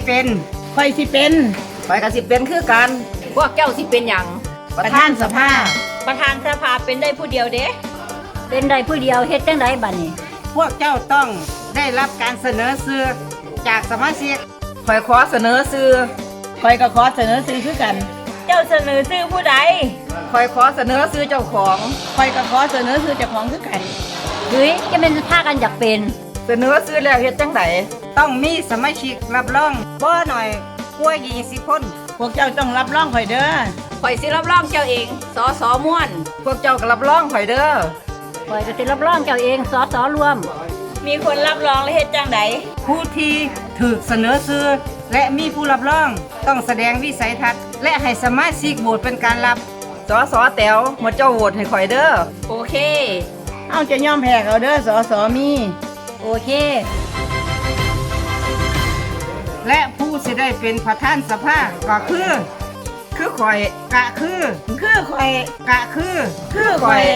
เป็นข่อยสิเป็นข่อยก็สิเป็นคือกันพวกเจ้าสิเป็นหยังประธานสภาประธานสภาเป็นได้ผู้เดียวเด้เป็นได้ผู้เดียวเฮ็ดจังไดบัดนี้พวกเจ้าต้องได้รับการเสนอชื่อจากสมาชิกข่อยขอเสนอชื่อข่อยก็ขอเสนอซื้อคือกันเจ้าเสนอชื่อผู้ใดข่อยขอเสนอชื่อเจ้าของข่อยก็ขอเสนอซื้อเจ้าของคือกันเฮ้ยจะเป็นพากันอยากเป็นเสนอชื่อแล้วเฮ็ดจังไดต้องมีสมาชิกรับรองบ่หน่อยกว่า20 คนพวกเจ้าต้องรับรองข่อยเด้อข่อยสิรับรองเจ้าเองสสม่วนพวกเจ้าก็รับรองข่อยเด้อข่อยก็สิรับรองเจ้าเองสสรวมมีคนรับรองและเฮ็ดจังไดผู้ที่ถูกเสนอชื่อและมีผู้รับรองต้องแสดงวิสัยทัศน์และให้สมาชิกโหวตเป็นการรับสสแต๋วหมดเจ้าโหวตให้ข่อยเด้อโอเคเอาจะยอมแพ้เขาเด้อสสมีโอเคและผู้สิได้เป็นประธานสภาก็คือข่อยกะคือคือข่อยกะคือคือข่อย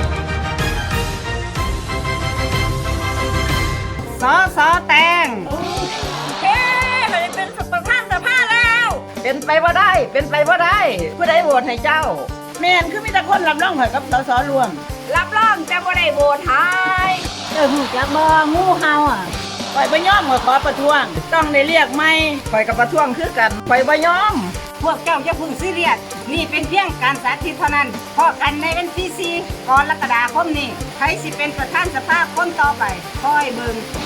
สสแตงเฮ้ข่อยเป็นประธานสภาแล้วเป็นไปบ่ได้เป็นไปบ่ได้ผู้ใดโหวตให้เจ้าแม่นคือมีแต่คนรับรองข่อยกับสสรวมรับรองแต่บ่ได้โหวตให้เจ้าฮู้จักบ่งูเห่าอ่ะข่อยบ่ยอมข่อยขอประท้วง ต้องได้เรียกใหม่ข่อยกับประท้วงคือกันข่อยบ่ยอม พวกเจ้าอย่าเพึ่งซีเรียสนี่เป็นเพียงการสาธิตเท่านั้นพอกันในวันที่4กรกฎาคมนี้ใครสิเป็นประธานสภาคนต่อไปคอยเบิ่ง